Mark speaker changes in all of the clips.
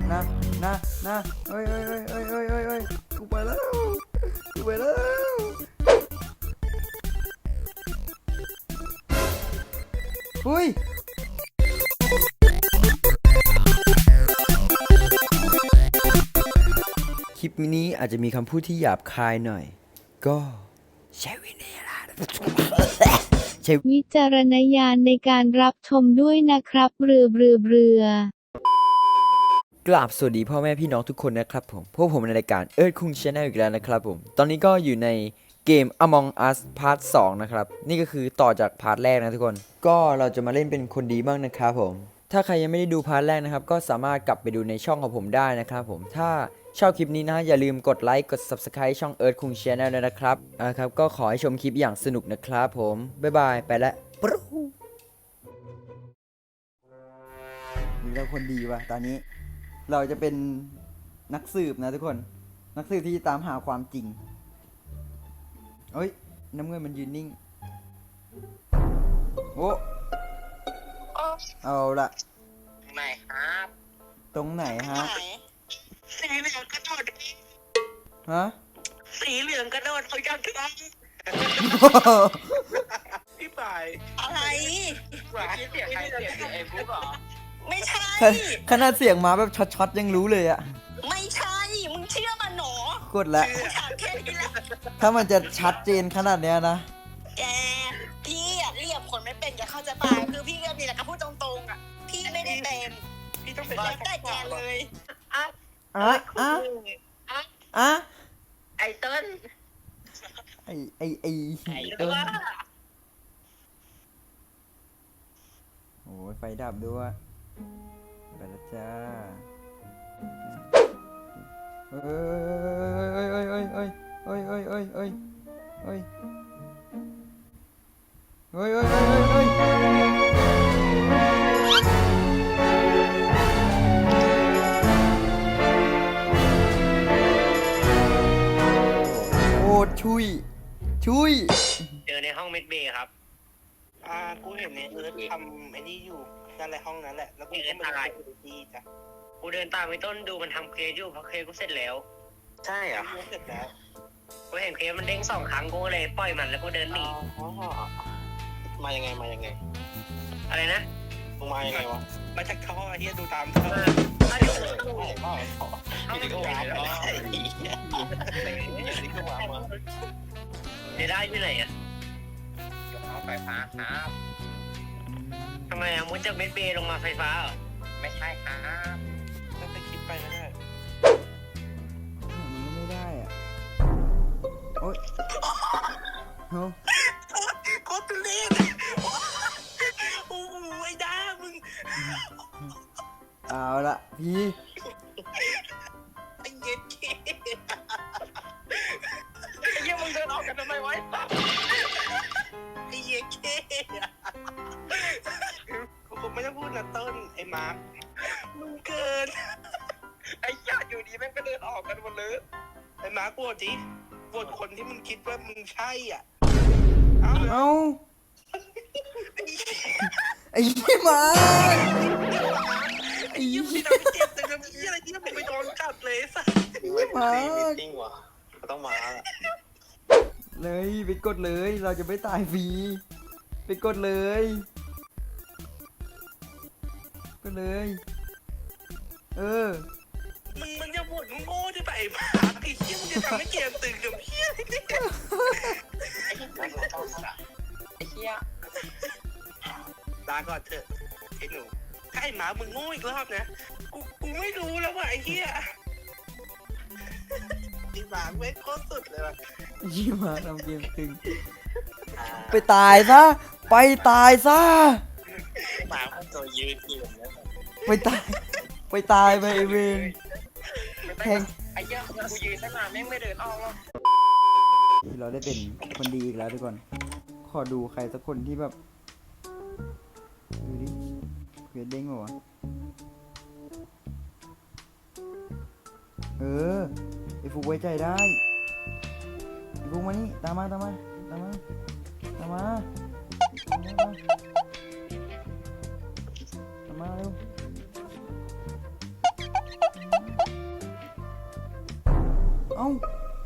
Speaker 1: นะนะเฮ้ยกูไปแล้วเฮ้ยคลิปนี้อาจจะมีคำพูดที่หยาบคายหน่อยก็ใช้วินัย
Speaker 2: วิจารณญาณในการรับชมด้วยนะครับเรือ
Speaker 1: กราบสวัสดีพ่อแม่พี่น้องทุกคนนะครับผมพวกผมในรายการเอิร์ธคุงชาแนลอีกแล้วนะครับผมตอนนี้ก็อยู่ในเกม Among Us พาร์ท 2นะครับนี่ก็คือต่อจากพาร์ทแรกนะทุกคนก็เราจะมาเล่นเป็นคนดีบ้างนะครับผมถ้าใครยังไม่ได้ดูพาร์ทแรกนะครับก็สามารถกลับไปดูในช่องของผมได้นะครับผมถ้าชอบคลิปนี้นะอย่าลืมกดไลค์กด Subscribe ช่องเอิร์ธคุงชาแนลด้วยนะครับครับก็ขอให้ชมคลิปอย่างสนุกนะครับผมบ๊ายบายไปแล้วนี่เราคนดีว่ะตอนนี้เราจะเป็นนักสืบนะทุกคนนักสืบที่ตามหาความจริงเฮ้ยน้ำเงินมันยืนนิ่งโอ้เอาละ
Speaker 3: ไหนครับ
Speaker 1: ตรงไหนฮะ
Speaker 3: สีเหลืองกระโดด
Speaker 1: ฮะ
Speaker 3: สีเหลืองกระโดดเขายังทำพี่ป่ายอะไรหวานเสียงใครเสียงไอ้บุ๊กเหรอไม่ใช่
Speaker 1: ขนาดเสียงมาแบบช็อตๆยังรู้เลยอะ
Speaker 3: ไม่ใช่มึงเชื่อมันหนอก
Speaker 1: ดแล้วถ้ามันจะชัดเจนขนาดเนี้ยนะ
Speaker 3: แกพี่อะเรียกคนไม่เป็นจะเข้าใจป่ะคือพี่ก็มีแต่คำพูดตรงๆอะพี่ไม่ได้เป็นพี่ต้องเป็นได้แกเลยไอ้เติ้ล
Speaker 1: ไอ้เติ้ลโอ้ยไฟดับด้วยไปแล้วจ้าเฮ้ยโอ้ชุย
Speaker 3: เจอในห้องเมดเบย์ครับกูเห็นในเอิร์ธทำไอ้นี่อยู่นั่นแหละห้องนั้นแหละแล้วกูก็ไม่ได้ดูดีจ้ะกูเดินตามไปต้นดูมันทำเคสอยู่เพราะเคสกูเสร็จแล้วใช่เหรอเสร็จแล้วกูเห็นเคสมันเด้ง2 ครั้งกูเลยปล่อยมันแล้วกูเดินหนีมายังไงอะไรนะมึงมายังไงวะมาจากท่อเฮียดูตามท่อนี่ก็วาร์ปมาได้ที่ไหนอ่ะยกเอาไฟฟ้าครับทำไมอ่ะมุดจากเมดเบย์ลงมาไฟฟ้าเหรอไม่ใช่ครับต้องไปคิดไปนะเนี่ย
Speaker 1: มันไม่ได้อ่ะโอ๊ยเฮ้ย
Speaker 3: โคตรเล่นโอ้โหไอ้ด้ามึง
Speaker 1: เอาละพี่
Speaker 3: ไอ้เย็ดเก้ไอ้เหี้ยมึงเดินออกกันทำไมวะไอ้เย็ดเก้กูคงไม่ต้องพูดนะต้นไอ้มาร์คมึงเกินไอ้ญาติอยู่ดีแม่งก็เดินออกกันหมดเลยไอ้มาร์คโหวตดิโหวตคนที่มึงคิดว่ามึงใช่อ่ะ
Speaker 1: เอาไอ้ยี่มา
Speaker 3: ไอ้ยี่พี่ทำให้เจ็บแต่ทำยี่อะไรที่มึงไปโดนกัดเลยสัส
Speaker 1: ยี่มา
Speaker 3: จริงวะต้องมา
Speaker 1: เลยไปกดเลยเราจะไม่ตายฟรีไปกดเลย
Speaker 3: มึงจะบ่นโง่ที่ไปมาไอ้เหี้ยมึงจะทำให้เกมตึงกับเหี้ยไอ้เหี้ยลาก่อนเถอะไอ้หนูถ้าไอ้หมามึงโง่อีกรอบนะกูไม่รู้แล้วว่ะไอ้เหี้ยไอ้หมาไม่โคตรสุดเลยว่ะ
Speaker 1: ยี่มาทำเกมตึงไปตายซะห
Speaker 3: มาเขาตัวยืนอยู่นะ
Speaker 1: ไปตายไปไอเวนแทง
Speaker 3: ไอ้เหี้ยกูยืนตั้งนานแม่งไม่เดินออกหรอก
Speaker 1: เราได้เป็นคนดีอีกแล้วทุกคนขอดูใครสักคนที่แบบดูดิเควสเด้งเหรอวะไอฟุกไว้ใจได้ไอฟุกมานี่ตามมาเร็วเอ้า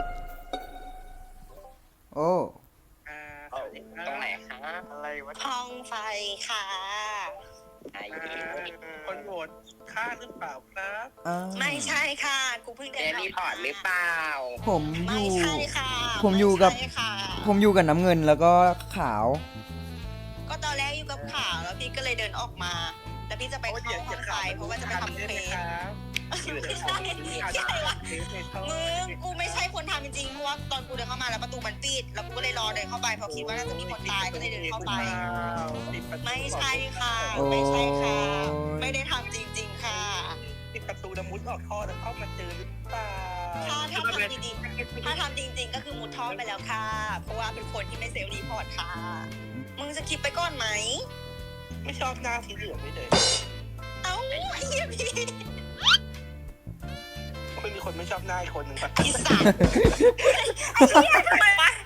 Speaker 1: โอ้
Speaker 3: สวัสดีครับ
Speaker 4: ตรงไหนคะ
Speaker 3: อะไรวะ
Speaker 4: ห้องไฟค่ะไอ้
Speaker 3: คนโหวตฆ่าหรือเปล่าครับ
Speaker 4: ไม่ใช่ค่ะ กูเพิ่งเดินรีพอร์ตหรือเปล่า
Speaker 1: ผมอ
Speaker 4: ไม่
Speaker 1: ยู่
Speaker 4: ใช่ค่ะ
Speaker 1: ผมอยู่กับ
Speaker 4: ไม่ใช่ค่ะ
Speaker 1: ผมอยู่กับน้ำเงินแล้วก็ขาว
Speaker 4: ก็ตอนแรกอยู่กับข่าวแล้วพี่ก็เลยเดินออกมา แล้วพี่จะไปเข้าห้องไฟเพราะว่าจะไปทำเควสไม่ใช่ใช่วะมึงกูไม่ใช่คนทำจริงๆเพราะว่าตอนกูเดินเข้ามาแล้วประตูมันปิดแล้วกูก็เลยรอเดินเข้าไปเพราะคิดว่าน่าจะมีคนตายก็เลยเดินเข้าไป ไม่ใช่ค่ะ ไม่ใช่ค่ะ ไม่ได้ทำจริง ๆ ค่ะ
Speaker 3: ปิดประตูแล้วมุดออกท่อแล้วเข้ามาเจอหรือเปล่า
Speaker 4: ถ้าทำจริงๆถ้าทำจริง ๆ ก็คือมุดท่อไปแล้วค่ะ เพราะว่าเป็นคนที่ไม่เซลล์รีพอร์ตค่ะ มึงจะคิดไปก่อนไหม
Speaker 3: ไม่ชอบหน้าสีเหลืองไม่เลย
Speaker 4: เอ้าไอ้เหี้ยพี่
Speaker 3: ไม่มีคนไม่ชอบหน้าอีกคนหนึ่งปะ
Speaker 4: อีสัตว์ไอ้เหี้ยทำไมวะ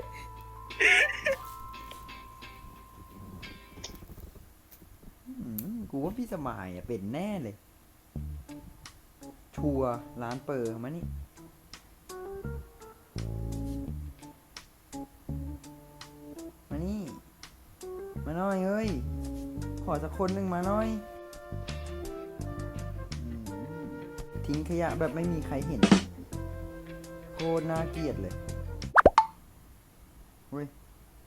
Speaker 1: กูว่าพี่สมายเป็นแน่เลย ชัวร์ร้านเปิดมานี่ มานี่ มาหน่อยเฮ้ย ขอสักคนหนึ่งมาหน่อยอืมทิ้งขยะแบบไม่มีใครเห็น โคตรน่าเกลียดเลยเฮ้ย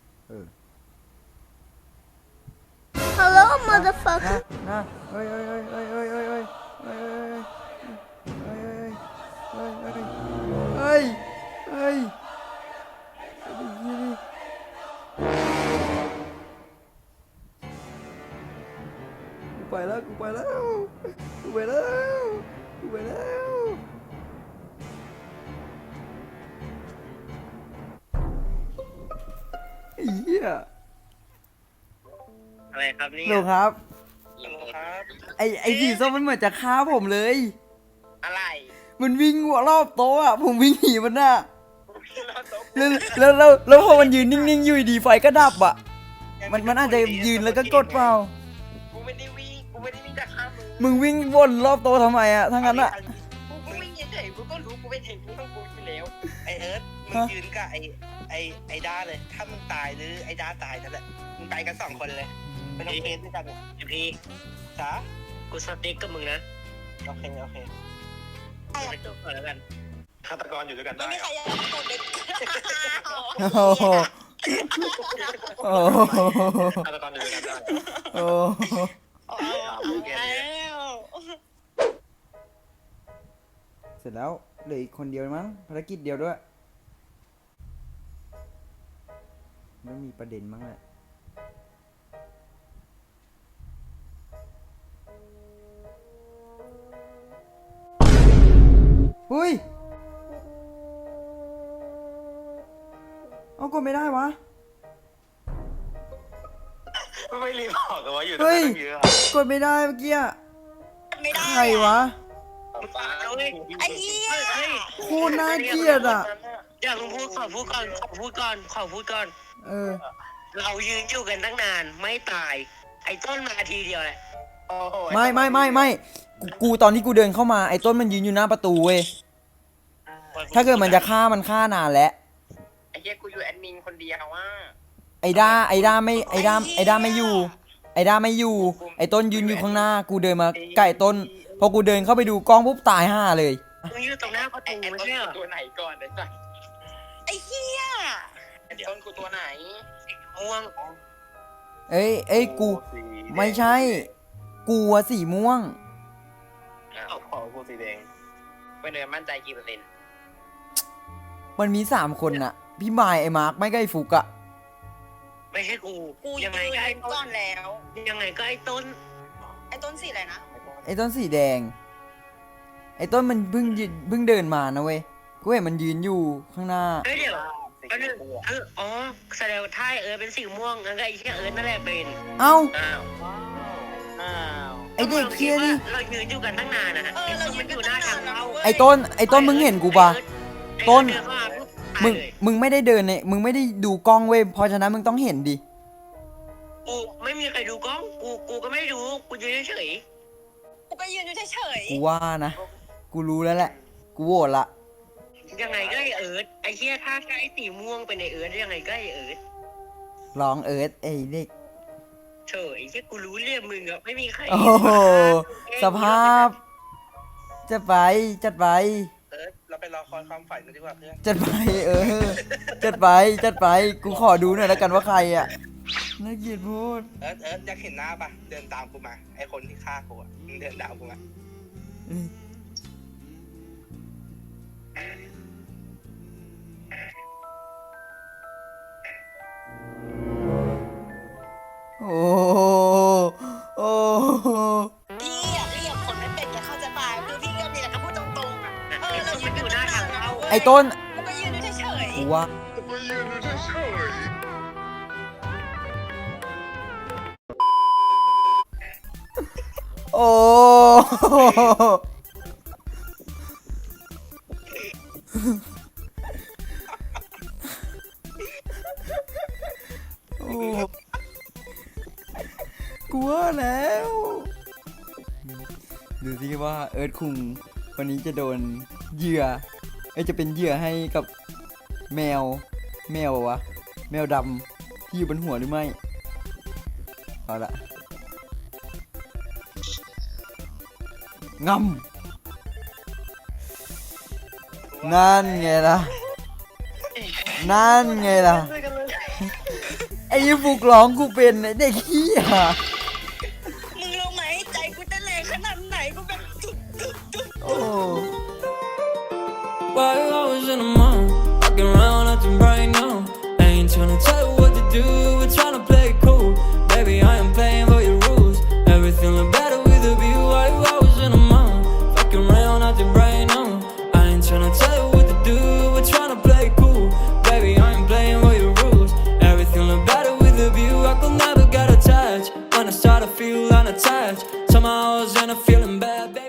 Speaker 2: Hello motherfucker
Speaker 1: นะเฮ้ยเฮ้ยเฮ้ยเฮ้ยเฮ้ยเฮ้ยเฮ้ยเฮ้ยเฮ้ยเฮ้ยกูไปแล้วกูไปแล้วกูไปแล้วกูไปแล้วไอ้เหี้ย
Speaker 3: อะไรครับนี่
Speaker 1: โหลครับ
Speaker 3: ครับ
Speaker 1: ไอ้สีส้มมันเหมือนจะฆ่าผมเลย
Speaker 4: อะไร
Speaker 1: มันวิ่งรอบโต๊ะอ่ะ ผมวิ่งหนีมันน่ะแล้วพอมันยืนนิ่งๆ อยู่ดีๆไฟก็ดับอ่ะ มันอาจจะยืนแล้วก็กดเปล่า
Speaker 4: กูไม่ได้วิ่งจากข้ามมึง
Speaker 1: มึงวิ่งวนรอบโต๊ะทำไมอ่ะทั้งนั้นอ่ะ
Speaker 4: กูวิ่งเฉยๆกูก็รู้กูเป็นเห็นกูต้องกูอยู่แล้ว
Speaker 3: ไอเอิร์ธมึงยืนกับไอด้าเลย ถ้ามึงตายหรือไอด้าตายนั่นแหละมึงไปกัน2 คนเลยไม่ต้องเฟซด้วยกันพี่จ๋ากูสติ๊กกับมึงนะโอเคไปจบก่อนแล้วกันฆาตกรอยู่ด้วยกัน
Speaker 4: ไม่
Speaker 3: ได้
Speaker 4: มีใครอยากกดเลย
Speaker 1: โอ้โหโอ้โห
Speaker 3: ฆาตกรอยู่ด้วยกันได้
Speaker 1: โอ้โห
Speaker 4: แล้ว
Speaker 1: เสร็จแล้วเหลืออีกคนเดียวมั้งภารกิจเดียวด้วยไม่มีประเด็นมั้งแหละหุ้ย เอากดไม่ได้วะ
Speaker 3: ไม่รีบออกกันว่าอยู่ตรง
Speaker 1: เฮ้ย
Speaker 3: นั้นเยอะ
Speaker 1: กดไม่ได้เมื่อกี้อะ
Speaker 4: ไม่ได้
Speaker 1: ใครวะ
Speaker 4: ไอ้เหี้ย
Speaker 1: โคตรน่าเกลียดอ่ะ
Speaker 3: อยากพูดขอพูดก่อน
Speaker 1: เออ
Speaker 3: เรายืนอยู่กันตั้งนานไม่ตาย ไอ้ต้นมาทีเดียวแหละ
Speaker 1: ไม่กูตอนที่กูเดินเข้ามาไอ้ต้นมันยืนอยู่หน้าประตูเว้ย ถ้าเกิดมันจะฆ่ามันฆ่านานแล้ว
Speaker 4: ไอ้เหี้ยกูอยู่แอดมินคนเดียวว่า
Speaker 1: ไอ้ด้าไม่อยู่ ไอ้ด้าไม่อยู่ ไอ้ต้นยืนอยู่ข้างหน้า กูเดินมาใกล้ต้น พอกูเดินเข้าไปดูกล้องปุ๊บตายห่าเลย
Speaker 3: มึงอยู่ตรงหน้าประตูไม่ใช่เหรอ
Speaker 4: ตัวไหนก่อนเลยจ้ะไอ้เหี้ยต้นกูตัวไหน
Speaker 3: ม่วง
Speaker 1: เอ้ยกู ไม่ใช่ กูอะสีม่วง
Speaker 3: ขอกูสีแดง
Speaker 4: เป็นเดินมั่นใจกี่เปอร์เซ็นต์
Speaker 1: มันมี3 คนน่ะ พี่มายไอ้มาร์คไม่ก็ไอ้ฟุกอะ
Speaker 3: ไม่ใช่กู
Speaker 4: กู
Speaker 3: ยังไงก็ไอ้ต้
Speaker 4: ก่อน นแล้ว
Speaker 3: ยังไงก็ไอ้ต้น
Speaker 4: ไอ้ต้นสีอะไรนะ
Speaker 1: ไอ้ต้นสีแดง ไอ้ต้นมันเพิ่งเดินมานะเว้ย กูเห็นมันยืนอยู่ข้างหน้า
Speaker 3: เฮ้ยเดี๋ยวอันนึงอ๋อแสดงว่าถ้าเป็นสีม่วงงั้นก็ไอ้เชี่ยนั่นแหละเป็น
Speaker 1: เอ้า
Speaker 3: อ้าว
Speaker 1: ไอ้เด็กเคียนี่
Speaker 3: เรายืนอยู่กันตั้งนานนะเรายืนอยู่หน้าทางเข้า
Speaker 1: ไอ้ต้นมึงเห็นกูปะ ต้น มึงไม่ได้เดินเนี่ยมึงไม่ได้ดูกล้องเว้ย เพราะฉะนั้นมึงต้องเห็นดิ
Speaker 3: กูไม่มีใครดูกล้องกูก็ไม่ดูกูยืนเฉย
Speaker 4: กูก็ยืนอยู่เฉย
Speaker 1: กูว่านะ กูรู้แล้วแหละ กูโหวตละ
Speaker 3: ยังไงอิร์ธไอ้เหี้ยถ้าใช้สีม่วงเป็นไอเอิร์ธยังไงก็ไอเอิร์ธ
Speaker 1: ร้องเอิร์ธไอ้เด็ก
Speaker 3: เฉยไอ้เหี้ยกูรู้เรื่องมึงอะไม่มีใคร
Speaker 1: โอ้โหสภาพจัดไปจัดไป
Speaker 3: เอิร์ธเราไปรอคอยความฝันกันดีกว่าเพื่อน
Speaker 1: จัดไปจัดไปจัดไปกูขอดูหน่อยแล้วกันว่าใครอ่ะน่าเกลียดพูด
Speaker 3: เอิร์ธอยากเห็นหน้าปะเดินตามกูมาไอคนที่ฆ่ากูอะมึงเดินตามกูมา
Speaker 1: โอ้โอ้
Speaker 4: พี่อะเรียกคนไม่เป็นแต่เข้าใจป่ะคือพี่ก็มีแต่คำพูดตรงๆอะเรายืน
Speaker 3: อยู่หน้าทางเข้า
Speaker 1: ไอ้ต้น
Speaker 4: แล้วก็ยืนเฉย
Speaker 1: กูว่าโอ้โอ้กลัวแล้ว ดูสิว่าเอิร์ธคุงวันนี้จะโดนเหยื่อจะเป็นเหยื่อให้กับแมววะแมวดำที่อยู่บนหัวหรือไม่เอาละงำนั่นไงล่ะนั่นไงล่ะไอ้ฟุกร้องกูเป็นไอ้เด็กเหี้ย
Speaker 4: ๆมึงรู้ไหมใจกูเต้นแรงขนาดไหนกูแบบจุด
Speaker 1: โอ้
Speaker 5: Why you always in the mall? Walking around acting right now. I ain't tryna tell you what to do, we're tryna play it cool. Baby, I am playing by your rules. Everything look better with a view. Why you always in the mall? Fucking around acting right now. I ain't tryna tell you what to do, we're tryna play it cool. Baby, I am playing by your rules. Everything look better with a view. I could never get attached. When I start to feel unattached, somehow I was in a feeling bad, baby.